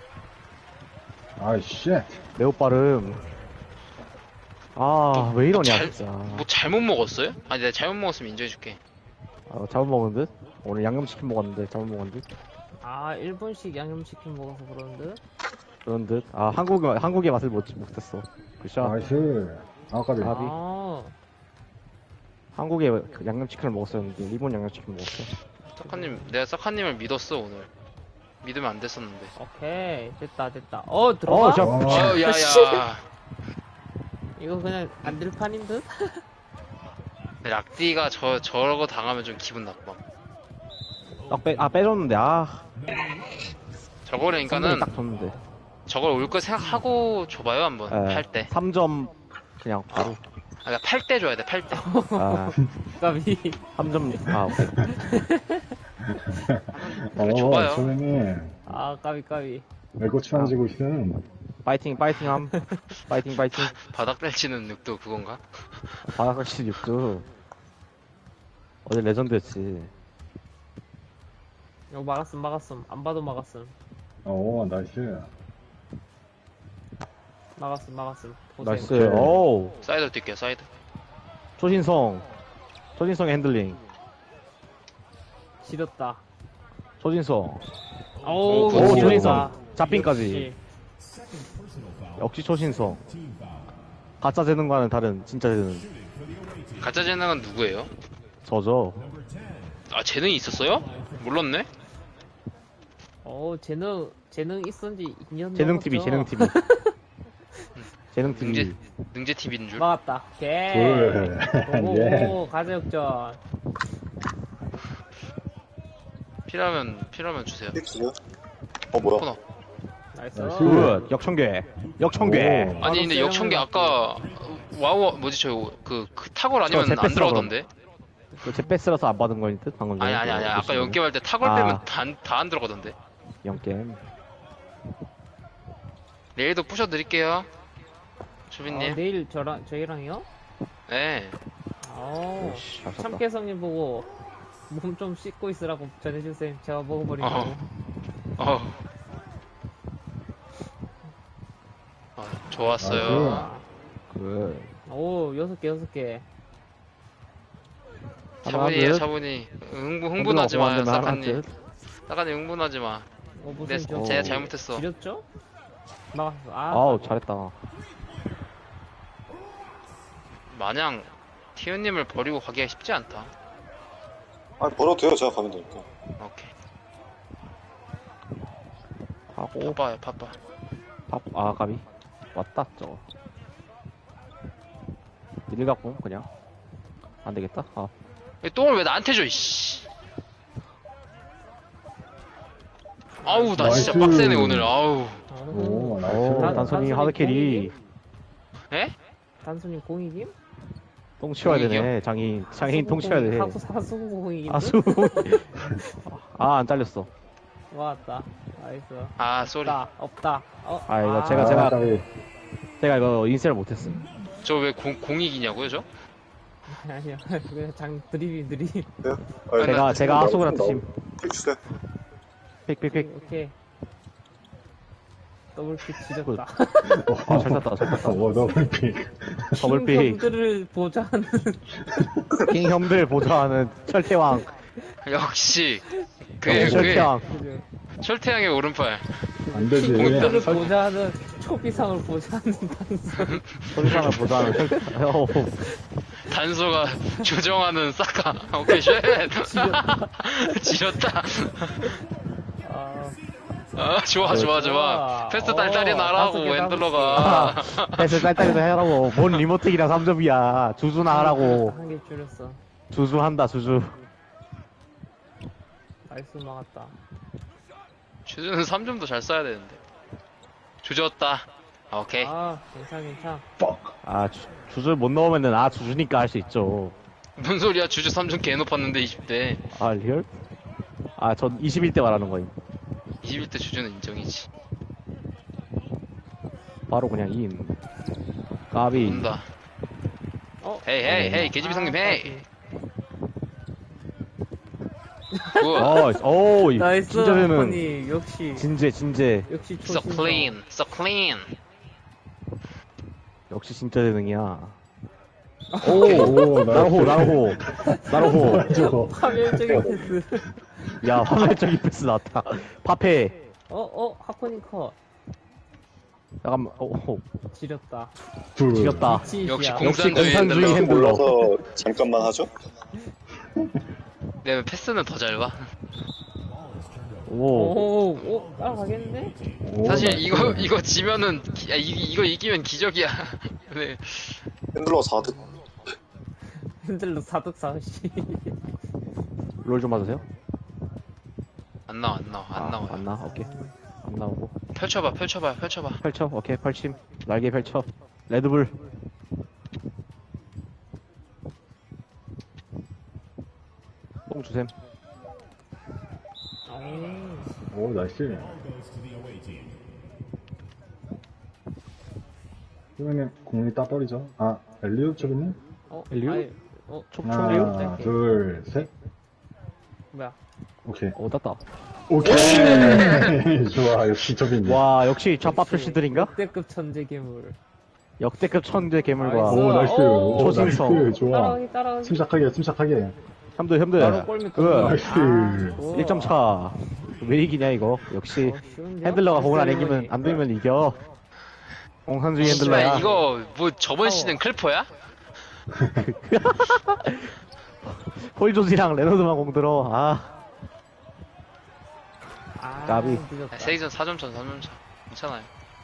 [SPEAKER 4] 아, 쉣.
[SPEAKER 2] 매우 빠름. 아, 왜 이러냐,
[SPEAKER 1] 잘-
[SPEAKER 2] 진짜.
[SPEAKER 1] 뭐 잘못 먹었어요? 아니, 내가 잘못 먹었으면 인정해줄게.
[SPEAKER 2] 아, 잘못 먹은 듯? 오늘 양념치킨 먹었는데, 잘못 먹은 듯?
[SPEAKER 3] 아, 일본식 양념치킨 먹어서 그런 듯?
[SPEAKER 2] 그런 듯? 아, 한국, 한국의 맛을 못, 못했어. 굿샷.
[SPEAKER 4] 나이스. 아, 까비.
[SPEAKER 2] 까비.
[SPEAKER 3] 아,
[SPEAKER 2] 한국의 그 양념치킨을 먹었었는데, 일본 양념치킨 먹었어.
[SPEAKER 1] 사카님, 내가 사카님을 믿었어, 오늘. 믿으면 안 됐었는데.
[SPEAKER 3] 오케이. 됐다, 됐다. 어, 들어가?
[SPEAKER 2] 어, 자,
[SPEAKER 4] 어,
[SPEAKER 1] 어, 야,
[SPEAKER 3] 씨.
[SPEAKER 1] 야.
[SPEAKER 3] 이거 그냥 안 될 판인 듯?
[SPEAKER 1] 락디가 저, 저러고 당하면 좀 기분 나빠.
[SPEAKER 2] 딱 빼, 아, 빼줬는데, 아.
[SPEAKER 1] 저거라니까는
[SPEAKER 2] 성능이 딱 줬는데.
[SPEAKER 1] 저걸 올 거 생각하고 줘봐요 한번.
[SPEAKER 2] 예,
[SPEAKER 1] 팔 때.
[SPEAKER 2] 삼 점 그냥 바로.
[SPEAKER 1] 아, 그러니까 팔 때 줘야 돼. 팔 때.
[SPEAKER 2] 아,
[SPEAKER 3] 까비.
[SPEAKER 2] 삼 점. 아, 오케이.
[SPEAKER 1] 그래,
[SPEAKER 4] 어,
[SPEAKER 1] 줘봐요.
[SPEAKER 4] 선생님.
[SPEAKER 3] 아, 까비, 까비.
[SPEAKER 4] 외고 치환지고 있음.
[SPEAKER 2] 파이팅, 파이팅 함. 파이팅, 파이팅.
[SPEAKER 1] 바닥 펼치는 늑도 그건가?
[SPEAKER 2] 바닥같이 육두. 어제 레전드였지.
[SPEAKER 3] 이거 막았음, 막았음. 안 봐도 막았음.
[SPEAKER 4] 오, 나이스.
[SPEAKER 3] 막았음, 막았음. 고생.
[SPEAKER 2] 나이스. 오우.
[SPEAKER 1] 사이드 뛸게요. 사이드.
[SPEAKER 2] 초진성. 초진성의 핸들링.
[SPEAKER 3] 지렸다.
[SPEAKER 2] 초진성.
[SPEAKER 3] 어우,
[SPEAKER 1] 오,
[SPEAKER 3] 지렸다.
[SPEAKER 2] 초진성. 잡힌까지.
[SPEAKER 3] 역시.
[SPEAKER 2] 역시 초신성. 가짜 재능과는 다른 진짜 재능.
[SPEAKER 1] 가짜 재능은 누구예요?
[SPEAKER 2] 저죠.
[SPEAKER 1] 아 재능이 있었어요? 몰랐네.
[SPEAKER 3] 어, 재능, 재능 있었는지 이 년
[SPEAKER 2] 재능 티비, 재능 티비. 재능
[SPEAKER 1] 능제
[SPEAKER 2] 티비.
[SPEAKER 1] 능제 티비인 줄.
[SPEAKER 3] 막았다. 오케이.
[SPEAKER 4] 둘. 예.
[SPEAKER 3] 오고, 가자 역전.
[SPEAKER 1] 필요하면 필요하면 주세요.
[SPEAKER 5] 픽스요? 어, 뭐야?
[SPEAKER 1] 코너.
[SPEAKER 3] 나이스.
[SPEAKER 4] 나이스.
[SPEAKER 2] 굿. 역청계. 역청계.
[SPEAKER 4] 오.
[SPEAKER 1] 아니 근데
[SPEAKER 3] 바로
[SPEAKER 1] 역청기
[SPEAKER 3] 세레머니
[SPEAKER 1] 아까 와우 뭐지 저그 그 타골 아니면
[SPEAKER 2] 저
[SPEAKER 1] 안
[SPEAKER 2] jetpack
[SPEAKER 1] 들어가던데?
[SPEAKER 2] 그 jetpack라서 안 받은 거인 듯 방금 전에.
[SPEAKER 1] 아니 아니 아니 아까
[SPEAKER 2] 보시면.
[SPEAKER 1] 연게임 할 때 타골
[SPEAKER 2] 아.
[SPEAKER 1] 빼면 다 안 들어가던데.
[SPEAKER 2] 영겜.
[SPEAKER 1] 내일도 부셔드릴게요.
[SPEAKER 3] 어,
[SPEAKER 1] 주빈님.
[SPEAKER 3] 내일 저랑, 저희랑요?
[SPEAKER 1] 네.
[SPEAKER 3] 아우.
[SPEAKER 2] 오씨, 잘 썼다.
[SPEAKER 3] 참깨성님 보고 몸 좀 씻고 있으라고 전해주세요. 제가 먹어버린다고.
[SPEAKER 1] 어. 어. 아, 좋았어요.
[SPEAKER 3] 아,
[SPEAKER 2] 굿.
[SPEAKER 3] 오, 여섯 개, 여섯 개.
[SPEAKER 1] 차분히에요,
[SPEAKER 2] 하나,
[SPEAKER 1] 차분히. 흥분, 흥분하지 마요,
[SPEAKER 2] 하나,
[SPEAKER 1] 사카님.
[SPEAKER 2] 둘.
[SPEAKER 1] 사카님 흥분하지 마.
[SPEAKER 3] 어, 무슨
[SPEAKER 1] 네,
[SPEAKER 3] 저
[SPEAKER 1] 제가 잘못했어.
[SPEAKER 3] 지렸죠? 막았어. 아,
[SPEAKER 2] 아우, 잘했다.
[SPEAKER 1] 마냥 티우님을 버리고 가기가 쉽지 않다.
[SPEAKER 5] 아, 벌어도 돼요. 제가 가면 되니까.
[SPEAKER 1] 오케이.
[SPEAKER 2] 하고,
[SPEAKER 1] 바빠요, 바빠.
[SPEAKER 2] 밥, 아, 가비. 왔다, 저거. 일 갖고, 그냥. 안 되겠다. 아,
[SPEAKER 1] 이 똥을 왜 나한테 줘, 이씨. 아우, 나 진짜
[SPEAKER 4] 나이스.
[SPEAKER 1] 빡세네, 오늘. 아우.
[SPEAKER 4] 오,
[SPEAKER 2] 오,
[SPEAKER 4] 나이스.
[SPEAKER 3] 단-
[SPEAKER 2] 단순히
[SPEAKER 3] 단순히
[SPEAKER 2] 하드캐리.
[SPEAKER 1] 에?
[SPEAKER 3] 단순히 공이김?
[SPEAKER 2] 똥 치워야
[SPEAKER 1] 공익이요?
[SPEAKER 2] 되네. 장인, 장인 똥 치워야 돼.
[SPEAKER 3] 하수, 하수 공이김?
[SPEAKER 2] 아수. 아, 안 잘렸어.
[SPEAKER 3] 왔다. 나이스.
[SPEAKER 1] 아, 쏘리.
[SPEAKER 3] 없다. 없다. 어,
[SPEAKER 2] 아, 이거
[SPEAKER 3] 아,
[SPEAKER 2] 제가,
[SPEAKER 4] 아,
[SPEAKER 2] 제가,
[SPEAKER 4] 까비.
[SPEAKER 2] 제가 이거 인쇄를 못했음.
[SPEAKER 1] 저 왜 공익이냐고요, 저?
[SPEAKER 3] 아니요. 그냥 장 드립이 드립.
[SPEAKER 5] 네? 아,
[SPEAKER 2] 제가, 제가
[SPEAKER 5] 나오-
[SPEAKER 2] 하수구라
[SPEAKER 5] 나오-
[SPEAKER 2] 뜻임.
[SPEAKER 5] 픽 주세요.
[SPEAKER 2] 픽픽픽.
[SPEAKER 3] 오케이. 더블킥 지렸다.
[SPEAKER 2] 아, 잘 탔다, 잘 탔다.
[SPEAKER 4] 오, 더블픽.
[SPEAKER 2] 더블픽.
[SPEAKER 3] 형들을 보좌하는
[SPEAKER 2] 킹 형들 보좌하는 철퇴왕.
[SPEAKER 1] 역시. 그,
[SPEAKER 2] 역시
[SPEAKER 1] 그,
[SPEAKER 2] 철퇴왕.
[SPEAKER 3] 그죠.
[SPEAKER 1] 철태양의 오른팔.
[SPEAKER 4] 안 되지.
[SPEAKER 3] 형들을
[SPEAKER 4] 설-
[SPEAKER 3] 보좌하는 초비상을 보좌하는 단서.
[SPEAKER 2] 철퇴왕을 보좌하는 철퇴, 어,
[SPEAKER 1] 단소가 조정하는 사카. 오케이, 쉣. 지렸다.
[SPEAKER 3] 아,
[SPEAKER 1] 아, 좋아, 좋아, 좋아. 패스 딸딸이
[SPEAKER 3] 어,
[SPEAKER 1] 나라고,
[SPEAKER 3] 다섯 개,
[SPEAKER 1] 웬들러가.
[SPEAKER 2] 패스 딸딸이도 해라고. 뭔 리모텍이랑 삼 점이야. 주주나 하라고.
[SPEAKER 3] 한 개 줄였어.
[SPEAKER 2] 주주한다, 주주.
[SPEAKER 3] 나이스 막았다.
[SPEAKER 1] 주주는 삼 점도 잘 써야 되는데. 조졌다. 아, 오케이.
[SPEAKER 3] 아, 괜찮, 괜찮.
[SPEAKER 2] 아, 주, 주주 못 넣으면은, 아, 주주니까 할 수 있죠.
[SPEAKER 1] 뭔 소리야, 주주 삼 점 개 높았는데, 이십 대.
[SPEAKER 2] 아, 리얼? 아, 전 이십일 대 말하는 거임.
[SPEAKER 1] 이십일 대 주주는 인정이지.
[SPEAKER 2] 바로 그냥 인. 까비.
[SPEAKER 1] 온다.
[SPEAKER 3] 어?
[SPEAKER 1] 헤이, 헤이, 헤이, 개집이 성님, 헤이. 굿.
[SPEAKER 2] 어, 오,
[SPEAKER 3] 나이스,
[SPEAKER 2] 진짜 되는.
[SPEAKER 3] 하코니. 역시,
[SPEAKER 2] 진재, 진재.
[SPEAKER 3] 역시
[SPEAKER 1] So
[SPEAKER 3] 초신성.
[SPEAKER 1] clean, so clean.
[SPEAKER 2] 역시 진짜 재능이야.
[SPEAKER 4] 오,
[SPEAKER 2] 나로호, 나로호. 나로호.
[SPEAKER 4] 저거.
[SPEAKER 3] 파멸적인 패스.
[SPEAKER 2] 야, 화면적인 패스 나왔다. 파페.
[SPEAKER 3] 어, 어, 하코니 컷.
[SPEAKER 2] 잠깐만, 어, 어,
[SPEAKER 3] 지렸다.
[SPEAKER 4] 둘.
[SPEAKER 2] 지렸다.
[SPEAKER 3] 치시야.
[SPEAKER 1] 역시
[SPEAKER 2] 역시
[SPEAKER 1] 공산주의
[SPEAKER 2] 공산주의
[SPEAKER 1] 핸들러.
[SPEAKER 2] 핸들러.
[SPEAKER 5] 올라서 잠깐만 하죠?
[SPEAKER 1] 내 패스는 더 잘 봐.
[SPEAKER 2] 오.
[SPEAKER 3] 오, 오, 따라가겠는데?
[SPEAKER 4] 오,
[SPEAKER 1] 사실
[SPEAKER 4] 나이스.
[SPEAKER 1] 이거 이거 지면은 기, 아, 이, 이거 이기면 기적이야. 네.
[SPEAKER 5] 핸들러 사 득.
[SPEAKER 3] 핸들로 사득사시.
[SPEAKER 2] 롤 좀 맞으세요?
[SPEAKER 1] 안 나와 안 나와 안
[SPEAKER 2] 아,
[SPEAKER 1] 나와.
[SPEAKER 2] 안 나와, 오케이. 안 나오고.
[SPEAKER 1] 펼쳐봐, 펼쳐봐, 펼쳐봐.
[SPEAKER 2] 펼쳐. 오케이, 펼침. 날개 펼쳐. 레드불. 뽕 주셈.
[SPEAKER 3] 어,
[SPEAKER 4] 오, 나이스. 그러면 공이 따버리죠. 아, 엘리오 쪽이네?
[SPEAKER 3] 어,
[SPEAKER 2] 엘리오?
[SPEAKER 3] 아니, 어,
[SPEAKER 2] 총, 총리요?
[SPEAKER 4] 하나, 둘, 셋.
[SPEAKER 3] 뭐야.
[SPEAKER 4] 오케이.
[SPEAKER 2] 오, 땄다.
[SPEAKER 4] 오케이! 좋아, 역시 저기네.
[SPEAKER 2] 와, 역시 좌파 출시들인가?
[SPEAKER 3] 역대급 천재 괴물.
[SPEAKER 2] 역대급 천재 괴물과.
[SPEAKER 3] 나이스.
[SPEAKER 4] 오, 나이스.
[SPEAKER 3] 오,
[SPEAKER 4] 오,
[SPEAKER 2] 초신성.
[SPEAKER 4] 나이스. 좋아.
[SPEAKER 3] 따라오기, 따라오기.
[SPEAKER 4] 침착하게, 침착하게.
[SPEAKER 2] 형들, 형들.
[SPEAKER 3] 바로 골밑
[SPEAKER 2] 그,
[SPEAKER 4] 나이스.
[SPEAKER 3] 오.
[SPEAKER 2] 일 점 차. 왜 이기냐, 이거. 역시.
[SPEAKER 3] 어, 쉬운데요?
[SPEAKER 2] 핸들러가 공을 안
[SPEAKER 3] 패스
[SPEAKER 2] 이기면, 안 들면 이겨. 공산주의
[SPEAKER 1] 씨발,
[SPEAKER 2] 핸들러야.
[SPEAKER 1] 이거 뭐 저번 시즌 클퍼야?
[SPEAKER 2] 홀조지랑 레너드만 공 들어. 아,
[SPEAKER 3] 아,
[SPEAKER 2] 까비.
[SPEAKER 3] 늦었다.
[SPEAKER 1] 세이전 사 점 차, 사 점 차. 괜찮아요.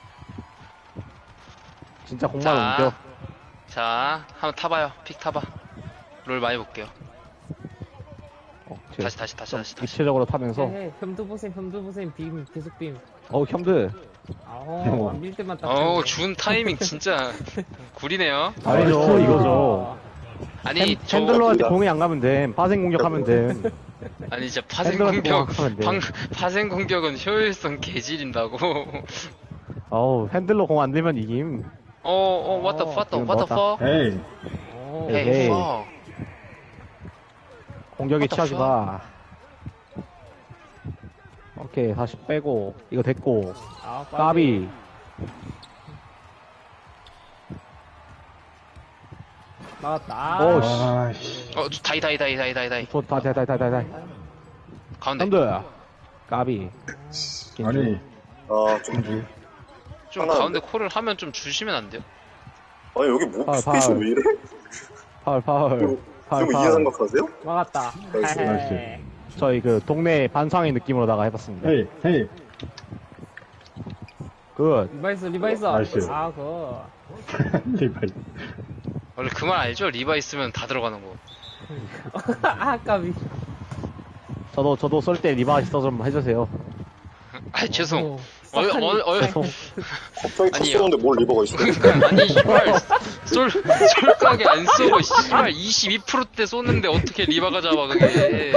[SPEAKER 2] 진짜 공만
[SPEAKER 1] 자,
[SPEAKER 2] 옮겨.
[SPEAKER 1] 자, 한번 타봐요. 픽 타봐. 롤 많이 볼게요.
[SPEAKER 2] 어, 제-
[SPEAKER 1] 다시, 다시, 다시,
[SPEAKER 2] 좀
[SPEAKER 1] 다시, 다시.
[SPEAKER 2] 입체적으로 타면서.
[SPEAKER 3] 해, 해. 혐도 보셈, 혐도 보셈, 빔, 계속 빔.
[SPEAKER 2] 어우, 형들.
[SPEAKER 3] 아우, 안 밀 때만 딱.
[SPEAKER 1] 어우,
[SPEAKER 3] 쳤네.
[SPEAKER 1] 준 타이밍 진짜 구리네요.
[SPEAKER 2] 아니죠,
[SPEAKER 4] 나이스.
[SPEAKER 2] 이거죠.
[SPEAKER 1] 아니,
[SPEAKER 2] 핸,
[SPEAKER 1] 저,
[SPEAKER 2] 핸들러한테 공이 안 가면 돼. 파생 공격하면 돼.
[SPEAKER 1] 아니, 진짜 파생
[SPEAKER 2] 핸들러한테
[SPEAKER 1] 공격,
[SPEAKER 2] 공격하면 돼.
[SPEAKER 1] 방, 파생 공격은 효율성 개질인다고.
[SPEAKER 2] 어우, 핸들러 공 안 들면 이김.
[SPEAKER 1] 어, 어, what the, what the,
[SPEAKER 2] 이건
[SPEAKER 1] what the
[SPEAKER 2] 뭐다.
[SPEAKER 1] fuck?
[SPEAKER 4] 에이.
[SPEAKER 3] 오,
[SPEAKER 2] 에이.
[SPEAKER 1] Hey, fuck.
[SPEAKER 2] 공격에
[SPEAKER 1] What the
[SPEAKER 2] 취하지 마. 오케이, 다시 빼고. 이거 됐고.
[SPEAKER 3] 아,
[SPEAKER 2] 까비.
[SPEAKER 3] 나왔다.
[SPEAKER 2] 오, 씨.
[SPEAKER 4] 아씨.
[SPEAKER 1] 어, 다이, 다이, 다이, 다이, 다이, 다이.
[SPEAKER 2] 좋다, 다, 다, 다, 다, 다.
[SPEAKER 1] 가운데.
[SPEAKER 2] 형들. 까비.
[SPEAKER 4] 아니,
[SPEAKER 5] 아, 좀.
[SPEAKER 1] 좀
[SPEAKER 5] 하나
[SPEAKER 1] 가운데 콜을 하면 좀 주시면 안 돼요?
[SPEAKER 5] 아니, 여기 뭐,
[SPEAKER 2] 아,
[SPEAKER 5] 스페이스
[SPEAKER 2] 발.
[SPEAKER 5] 왜 이래?
[SPEAKER 2] 파울, 파울.
[SPEAKER 5] 이거,
[SPEAKER 2] 파울,
[SPEAKER 5] 이거 이해
[SPEAKER 2] 파울.
[SPEAKER 5] 생각하세요?
[SPEAKER 3] 막았다.
[SPEAKER 5] 나이스,
[SPEAKER 4] 나이스.
[SPEAKER 3] 헤헤.
[SPEAKER 2] 저희 그 동네 반상의 느낌으로다가 해봤습니다.
[SPEAKER 4] 헤이, 헤이.
[SPEAKER 2] 굿.
[SPEAKER 3] 리바이스, 리바이스.
[SPEAKER 4] 나이스.
[SPEAKER 3] 아, 그거.
[SPEAKER 4] 리바이.
[SPEAKER 1] 원래 그 말 알죠? 리바 있으면 다 들어가는 거.
[SPEAKER 3] 아, 까비.
[SPEAKER 2] 저도, 저도 쏠 때 리바이스 좀 해주세요.
[SPEAKER 1] 아, 죄송.
[SPEAKER 3] 오,
[SPEAKER 1] 어,
[SPEAKER 3] 싹하니.
[SPEAKER 1] 어, 어,
[SPEAKER 2] 죄송.
[SPEAKER 5] 갑자기 탁
[SPEAKER 1] 아니요.
[SPEAKER 5] 쏘는데 뭘 리버가 있어?
[SPEAKER 1] 그러니까 아니 씨발 쏠 쏠각에 안 쏘고 씨발 이십이 퍼센트대 쏘는데 어떻게 리바가 잡아 그게.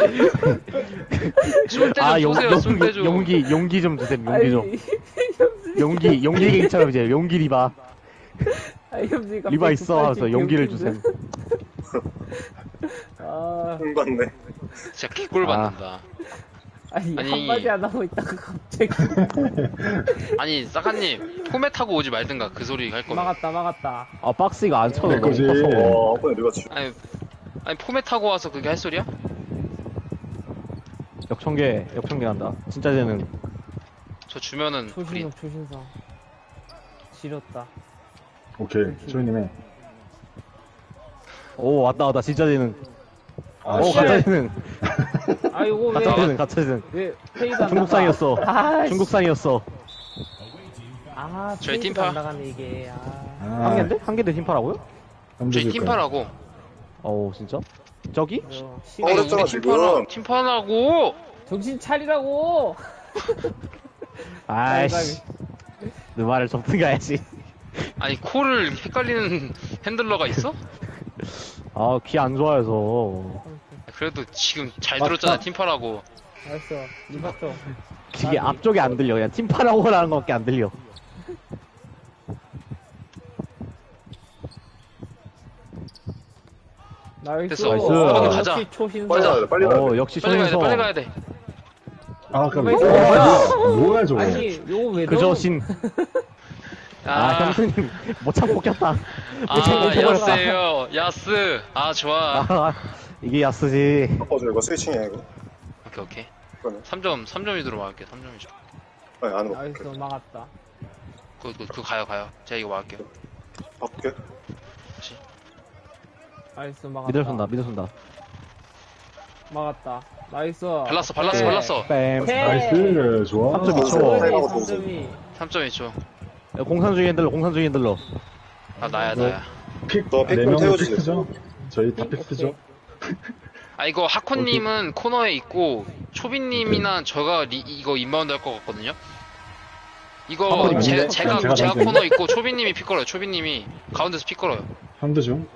[SPEAKER 1] 쏠 때 좀
[SPEAKER 2] 아, 용,
[SPEAKER 1] 쏘세요.
[SPEAKER 2] 용,
[SPEAKER 1] 쏠 때 좀.
[SPEAKER 2] 용기, 용기 좀 주세요, 용기 좀.
[SPEAKER 3] 아니,
[SPEAKER 2] 용기, 용기 갱처럼 이제, 용기 리바.
[SPEAKER 3] 아, 혐지가
[SPEAKER 2] 리바 있어 하면서
[SPEAKER 3] 백팔십
[SPEAKER 2] 용기를
[SPEAKER 3] 개웃긴데?
[SPEAKER 2] 주세요.
[SPEAKER 3] 아,
[SPEAKER 5] 흥받네.
[SPEAKER 1] 진짜 개꿀 받는다.
[SPEAKER 3] 아니,
[SPEAKER 1] 아니.
[SPEAKER 3] 한마디 안 하고 있다가 갑자기.
[SPEAKER 1] 아니 사카님 포맷하고 오지 말든가 그 소리 할 거면.
[SPEAKER 3] 막았다, 막았다.
[SPEAKER 2] 아, 박스 이거 안 쳐도
[SPEAKER 4] 내
[SPEAKER 2] 너무
[SPEAKER 4] 거지.
[SPEAKER 2] 커서.
[SPEAKER 5] 와, 한 번에 리버 치.
[SPEAKER 1] 아니 아니 포맷하고 와서 그게 할 소리야?
[SPEAKER 2] 역청계, 역청계 난다. 진짜 쟤는.
[SPEAKER 1] 저 주면은 그린.
[SPEAKER 3] 초신성, 초신성. 지렸다.
[SPEAKER 4] 오케이, 조이님의.
[SPEAKER 2] 오, 왔다, 왔다. 진짜 쟤는.
[SPEAKER 4] 아,
[SPEAKER 2] 오,
[SPEAKER 3] 씨.
[SPEAKER 2] 가짜 쟤는.
[SPEAKER 3] 아, 이거 왜,
[SPEAKER 2] 가짜 쟤는, 가짜 쟤는.
[SPEAKER 3] 왜, 페이드 안
[SPEAKER 2] 중국산이었어.
[SPEAKER 3] 나가? 아,
[SPEAKER 2] 중국산이었어.
[SPEAKER 3] 아,
[SPEAKER 1] 저희
[SPEAKER 3] 페이드가
[SPEAKER 1] 팀파.
[SPEAKER 3] 안 나가네, 이게. 아.
[SPEAKER 4] 아,
[SPEAKER 2] 한 개인데? 한 개인데 팀파라고요?
[SPEAKER 1] 저희 팀파라고.
[SPEAKER 2] 어우, 진짜? 저기?
[SPEAKER 3] 이거
[SPEAKER 5] 어,
[SPEAKER 3] 시간-
[SPEAKER 1] 아니,
[SPEAKER 5] 그랬잖아,
[SPEAKER 1] 우리 팀파라,
[SPEAKER 5] 지금.
[SPEAKER 1] 팀파라고.
[SPEAKER 3] 정신 차리라고!
[SPEAKER 2] 아이씨. 내 말을 좀 들어야지.
[SPEAKER 1] 아니 콜을 헷갈리는 핸들러가 있어?
[SPEAKER 2] 아, 귀 안 좋아해서.
[SPEAKER 1] 그래도 지금 잘
[SPEAKER 2] 맞다.
[SPEAKER 1] 들었잖아 팀파라고.
[SPEAKER 3] 알았어, 리바 쪽.
[SPEAKER 2] 이게 앞쪽에 안 들려. 그냥 팀파라고라는 것밖에 안 들려.
[SPEAKER 3] 나이스.
[SPEAKER 1] 됐어.
[SPEAKER 2] 나이스.
[SPEAKER 3] 어,
[SPEAKER 1] 가자.
[SPEAKER 3] 역시 초신성.
[SPEAKER 5] 빨리 가야 돼, 빨리 가야 돼.
[SPEAKER 2] 어, 역시
[SPEAKER 1] 빨리 가야 돼
[SPEAKER 2] 손에서.
[SPEAKER 1] 빨리 가야 돼.
[SPEAKER 4] 아, 깜
[SPEAKER 3] 리바이스.
[SPEAKER 4] 뭐야, 뭐야, 저거.
[SPEAKER 3] 아니, 요거 왜
[SPEAKER 2] 그저
[SPEAKER 3] 넣어?
[SPEAKER 2] 신. 아, 형수님, 못 참고 꼈다. 못 참고
[SPEAKER 1] 아,
[SPEAKER 2] 꼈다.
[SPEAKER 1] 야스예요. 야스. 아, 좋아.
[SPEAKER 2] 아, 이게 야스지.
[SPEAKER 5] 바꿔줘, 이거 스위칭이야, 이거.
[SPEAKER 1] 오케이, 오케이.
[SPEAKER 5] 그러네.
[SPEAKER 1] 삼 점, 삼 점 이도록 막을게. 삼 점이죠.
[SPEAKER 5] 아니, 안 해봐.
[SPEAKER 3] 나이스, 막았다.
[SPEAKER 1] 그, 그, 그 가요, 가요. 제가 이거 막을게요.
[SPEAKER 5] 바꿀게.
[SPEAKER 3] 나이스, 막았다.
[SPEAKER 2] 미들 쏜다, 미들 쏜다.
[SPEAKER 3] 막았다. 나이스.
[SPEAKER 1] 발랐어, 발랐어,
[SPEAKER 3] 네.
[SPEAKER 1] 발랐어.
[SPEAKER 2] 뺨.
[SPEAKER 3] 오케이.
[SPEAKER 4] 나이스, 좋아.
[SPEAKER 2] 삼 점 이 초.
[SPEAKER 5] 어.
[SPEAKER 3] 삼 점이.
[SPEAKER 1] 삼 점 이 초.
[SPEAKER 2] 공산주의 핸들러, 공산주의 핸들러.
[SPEAKER 1] 아, 나야, 나야.
[SPEAKER 4] 픽,
[SPEAKER 5] 너
[SPEAKER 4] 네
[SPEAKER 5] 픽
[SPEAKER 4] 명이
[SPEAKER 5] 태워주세요.
[SPEAKER 4] 픽스죠? 저희 다
[SPEAKER 3] 오케이.
[SPEAKER 4] 픽스죠?
[SPEAKER 1] 아, 이거 하코님은 코너에 있고, 초비님이나 저가 리, 이거 인바운드 할 것 같거든요? 이거
[SPEAKER 2] 한번이
[SPEAKER 1] 제,
[SPEAKER 2] 아닌데?
[SPEAKER 1] 제가
[SPEAKER 4] 제가
[SPEAKER 1] 제가
[SPEAKER 4] 던지는데?
[SPEAKER 1] 코너 있고 초비님이 픽 걸어요. 초비님이 가운데서 픽 걸어요.
[SPEAKER 4] 한드 중.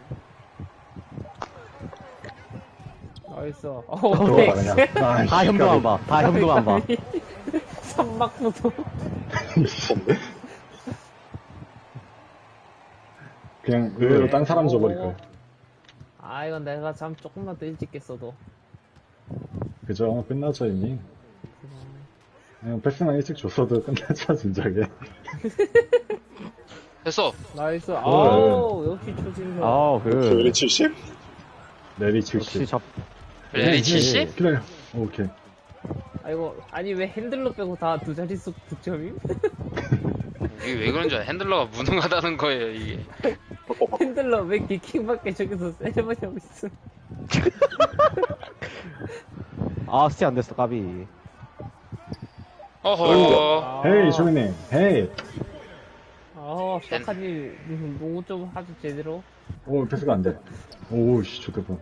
[SPEAKER 3] 나이스. 어,
[SPEAKER 4] 들어가
[SPEAKER 3] 네.
[SPEAKER 4] 그냥. 아,
[SPEAKER 2] 다 협동한 봐. 다 협동한 봐.
[SPEAKER 3] 삼박부도.
[SPEAKER 5] 뭔데?
[SPEAKER 4] 그냥 의외로 딴 사람 줘버릴 거예요.
[SPEAKER 3] 아, 이건 내가 잠 조금만 더 일찍 깼어도.
[SPEAKER 4] 그죠? 끝나죠 이미. 그냥 패스만 일찍 줬어도 끝나죠 진작에.
[SPEAKER 1] 됐어.
[SPEAKER 3] 나이스. 아우, 역시 초진서.
[SPEAKER 2] 아우, 그.
[SPEAKER 5] 킬리 칠십?
[SPEAKER 4] 레디
[SPEAKER 2] 역시
[SPEAKER 4] 칠십.
[SPEAKER 2] 잡,
[SPEAKER 1] 렐리 칠십?
[SPEAKER 4] 기다려. 오케이.
[SPEAKER 3] 아이고, 아니, 왜 핸들러 빼고 다 두 자릿수 득점임?
[SPEAKER 1] 이게 왜 그런지 알아? 핸들러가 무능하다는 거예요, 이게.
[SPEAKER 5] 바꿔, 바꿔.
[SPEAKER 3] 핸들러 왜 기킹밖에 저기서 세레머니 하고 있어?
[SPEAKER 2] 아, 스티 안 됐어, 까비.
[SPEAKER 1] 어허.
[SPEAKER 4] 헤이 조이님. 헤이.
[SPEAKER 3] 아, 샤카님, 농구 좀 하죠, 제대로.
[SPEAKER 4] 오 패스가 안 돼. 오씨 좋겠다.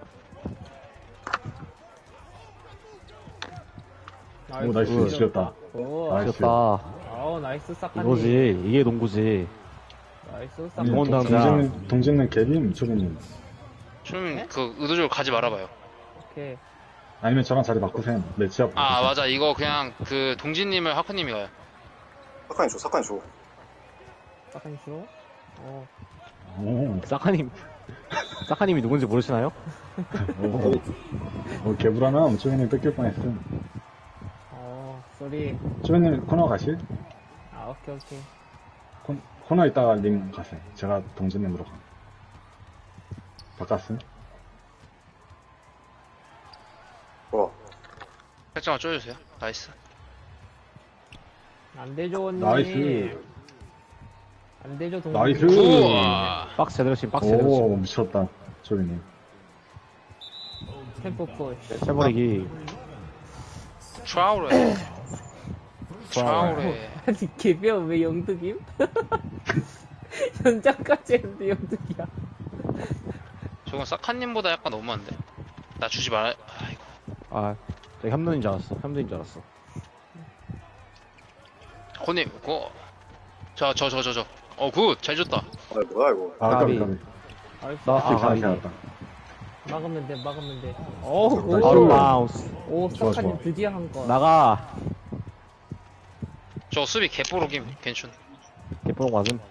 [SPEAKER 4] 오 나이스
[SPEAKER 2] 굿.
[SPEAKER 4] 지렸다.
[SPEAKER 3] 오,
[SPEAKER 4] 나이스.
[SPEAKER 2] 좋다.
[SPEAKER 3] 아우, 나이스, 사카님.
[SPEAKER 2] 이거지. 이게 농구지.
[SPEAKER 3] 나이스,
[SPEAKER 4] 아니,
[SPEAKER 3] 사카님.
[SPEAKER 2] 동원
[SPEAKER 4] 동-
[SPEAKER 2] 당장.
[SPEAKER 4] 동진님 동진님 개빔 조이님.
[SPEAKER 1] 좀, 그, 의도적으로 가지 말아봐요.
[SPEAKER 3] 오케이.
[SPEAKER 4] 아니면 저랑 자리 바꾸세요. 내 지압.
[SPEAKER 1] 아, 맞아. 이거 그냥, 그, 동진님을 하크님이 가요.
[SPEAKER 5] 사칸이 줘, 사칸이 줘.
[SPEAKER 3] 사카님 싫어? 어.
[SPEAKER 4] 오,
[SPEAKER 2] 사카님. 사카님이 누군지 모르시나요?
[SPEAKER 4] 오, 오 개불하나 조이님 뺏길 뻔했음.
[SPEAKER 3] 어, 쏘리.
[SPEAKER 4] 조이님 코너 가실?
[SPEAKER 3] 아, 오케이, 오케이.
[SPEAKER 4] 코, 코너 있다가 님 가세요. 제가 동진님으로 가. 바꿨음?
[SPEAKER 5] 좋아.
[SPEAKER 1] 살짝만 쪼여주세요. 나이스.
[SPEAKER 3] 안 되죠, 언니.
[SPEAKER 4] 나이스.
[SPEAKER 3] 안 되죠, 동생.
[SPEAKER 4] 나이스.
[SPEAKER 1] 우와.
[SPEAKER 2] 박스 제대로 치, 박스 제대로
[SPEAKER 4] 오 미쳤다 조이님.
[SPEAKER 3] 템포 푸시.
[SPEAKER 2] 치. 채버리기.
[SPEAKER 1] 트라우레. 트라우레.
[SPEAKER 3] 아니, 개별 왜 영득임? 현장까지 했는데 영득이야.
[SPEAKER 1] 저건 사카님보다 약간 너무한데. 나 주지 말, 아이고.
[SPEAKER 2] 아, 저 협눈인 줄 알았어. 협눈인 줄 알았어.
[SPEAKER 1] 코님, 그거. 저, 저, 저, 저, 저. 어, 굿. 잘 줬다.
[SPEAKER 5] 아, 뭐야, 이거.
[SPEAKER 4] 아
[SPEAKER 2] 까비.
[SPEAKER 4] 까비 까비.
[SPEAKER 3] 나이스.
[SPEAKER 2] 나왔어,
[SPEAKER 4] 아,
[SPEAKER 2] 가비.
[SPEAKER 4] 잘했다.
[SPEAKER 3] 막으면 돼, 막으면 돼. 오,
[SPEAKER 4] 나이스.
[SPEAKER 2] 바로
[SPEAKER 3] 오,
[SPEAKER 2] 바운스.
[SPEAKER 3] 오,
[SPEAKER 4] 좋아,
[SPEAKER 3] 사카님
[SPEAKER 4] 좋아.
[SPEAKER 3] 드디어 한 거.
[SPEAKER 2] 나가.
[SPEAKER 1] 저 수비 개뽀록임. 괜춘.
[SPEAKER 2] 개포롱 맞음.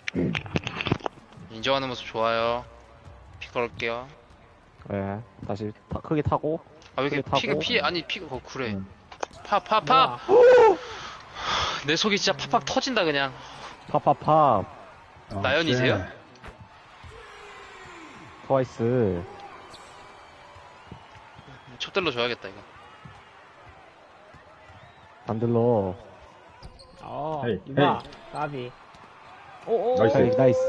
[SPEAKER 1] 인정하는 모습 좋아요. 피 걸을게요.
[SPEAKER 2] 예. 다시 타, 크게 타고.
[SPEAKER 1] 아, 왜 이렇게
[SPEAKER 2] 크게
[SPEAKER 1] 피가,
[SPEAKER 2] 타고.
[SPEAKER 1] 피, 아니, 피가, 어, 그래.
[SPEAKER 4] 응.
[SPEAKER 1] 파, 파, 파! 내 속이 진짜 팍팍 터진다, 그냥.
[SPEAKER 2] 팝팝팝.
[SPEAKER 4] 아,
[SPEAKER 1] 나연이세요?
[SPEAKER 4] 쉣.
[SPEAKER 2] 트와이스.
[SPEAKER 1] 촛들로 줘야겠다, 이거.
[SPEAKER 2] 반들러.
[SPEAKER 3] 어,
[SPEAKER 4] 헤이,
[SPEAKER 3] 이봐, 까비. 오, 오,
[SPEAKER 4] 나이스.
[SPEAKER 2] 나이스, 나이스.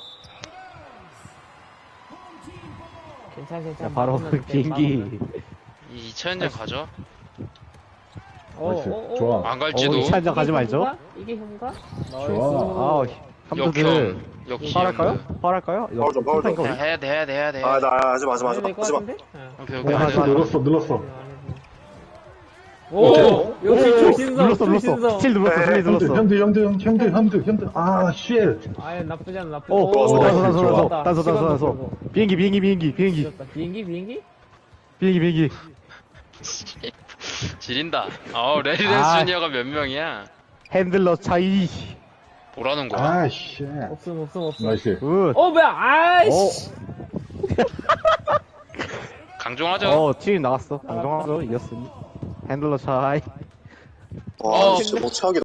[SPEAKER 3] 괜찮아,
[SPEAKER 2] 자,
[SPEAKER 3] 괜찮아.
[SPEAKER 2] 바로
[SPEAKER 3] 막으면 돼,
[SPEAKER 2] 비행기.
[SPEAKER 3] 막으면.
[SPEAKER 1] 이 이차연장 가죠?
[SPEAKER 3] 오,
[SPEAKER 4] 나이스.
[SPEAKER 3] 오, 오.
[SPEAKER 4] 좋아.
[SPEAKER 1] 안 갈지도.
[SPEAKER 2] 어, 이차 한장 가지
[SPEAKER 3] 이게
[SPEAKER 2] 말죠.
[SPEAKER 3] 현가? 이게 현가?
[SPEAKER 4] 좋아.
[SPEAKER 2] 아, 함드들.
[SPEAKER 1] 역형. 역시.
[SPEAKER 2] 파할까요? 파할까요?
[SPEAKER 5] 파울 좀, 파울 좀.
[SPEAKER 1] 그냥 해야 돼, 해야 돼, 해야 돼.
[SPEAKER 5] 아, 나, 하지 마, 하지 마, 하지 마.
[SPEAKER 3] 될것
[SPEAKER 5] 하지 마.
[SPEAKER 3] 같은데? 응.
[SPEAKER 1] 오케이,
[SPEAKER 2] 네,
[SPEAKER 1] 오케이.
[SPEAKER 2] 하지
[SPEAKER 1] 하지
[SPEAKER 2] 마.
[SPEAKER 1] 마.
[SPEAKER 4] 눌렀어 눌렀어.
[SPEAKER 3] 오, 역시 조신성,
[SPEAKER 2] 눌렀어, 눌렀어.
[SPEAKER 3] 조신성.
[SPEAKER 2] 스틸 눌렀어, 스틸
[SPEAKER 4] 현드
[SPEAKER 2] 눌렀어.
[SPEAKER 4] 현드 현드 현드 현드 현드. 아 쉣.
[SPEAKER 3] 아예 나쁘지 않아, 나쁘지
[SPEAKER 2] 오,
[SPEAKER 3] 않아.
[SPEAKER 2] 오,
[SPEAKER 5] 좋아,
[SPEAKER 2] 단소, 단소,
[SPEAKER 4] 좋아.
[SPEAKER 2] 단소, 단소, 단소, 단소. 비행기, 비행기, 비행기, 비행기,
[SPEAKER 3] 지렸다. 비행기, 비행기?
[SPEAKER 2] 비행기, 비행기.
[SPEAKER 1] 지린다. 어, 레리덴스
[SPEAKER 2] 아.
[SPEAKER 1] 주니어가 몇 명이야?
[SPEAKER 2] 핸들러 차이.
[SPEAKER 1] 뭐라는 거야?
[SPEAKER 4] 아 쉣.
[SPEAKER 3] 없음, 없음, 없음.
[SPEAKER 4] 나이스.
[SPEAKER 2] 굿.
[SPEAKER 3] 어, 뭐야, 아이씨.
[SPEAKER 1] 강종하죠?
[SPEAKER 2] 어, 팀 나갔어. 강정하죠. 이겼으니. 핸들러 차이.
[SPEAKER 5] 와,
[SPEAKER 1] 어.
[SPEAKER 5] 진짜 뭐 최악이다.